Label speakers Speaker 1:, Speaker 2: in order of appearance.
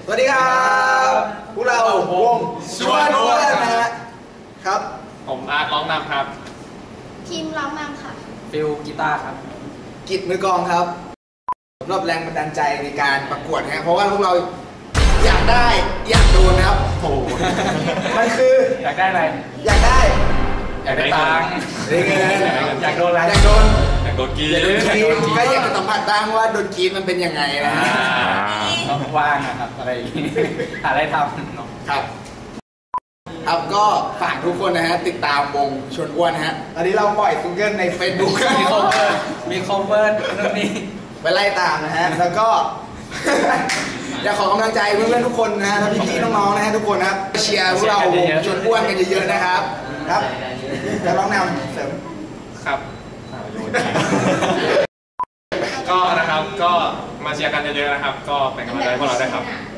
Speaker 1: วัสดีครับพวกเราวงชวนอ้วนนะฮะครับ
Speaker 2: ผมอาร์ตร้องนำครับ
Speaker 3: ทีมร้องนำค่ะ
Speaker 4: ฟิลกีตาร์ครับ
Speaker 1: กิจมือกลองครับสำหรับแรงบันดาลใจในการประกวดนะเพราะว่าพวกเราอยากได้อยากโดนนะครับโอ้มันคือ
Speaker 4: อยากได้อะไร
Speaker 1: อยากได้
Speaker 4: ตังค์
Speaker 1: ได้เงิน
Speaker 4: อยากโดนอะไร
Speaker 1: อยากโดน
Speaker 2: กี
Speaker 1: ก็อยากจะสัมผัสบ้างว่าโดนกีมันเป็นยังไงนะ
Speaker 4: ว่างนะครับอะไรหาอะไรทำ
Speaker 1: ครับครับก็ฝากทุกคนนะฮะติดตามวงชวนอ้วนนะฮะตอนนี้เราปล่อยซิงเกิลใน Facebook
Speaker 4: มีคอเวอร์นู่นนี่
Speaker 1: ไปไล่ตามนะฮะแล้วก็อยากขอกำลังใจเพื่อนๆทุกคนนะฮะแล้วพี่ๆน้องๆนะฮะทุกคนนะครับเชียร์พวกเราวงชวนอ้วนกันเยอะๆนะครับครับจะร้องนำเสริม
Speaker 2: ครับก็นะครับก็มาเชียร์กันเยอะๆนะครับก็เป็นกำลังใจให้พวกเราได้ครับ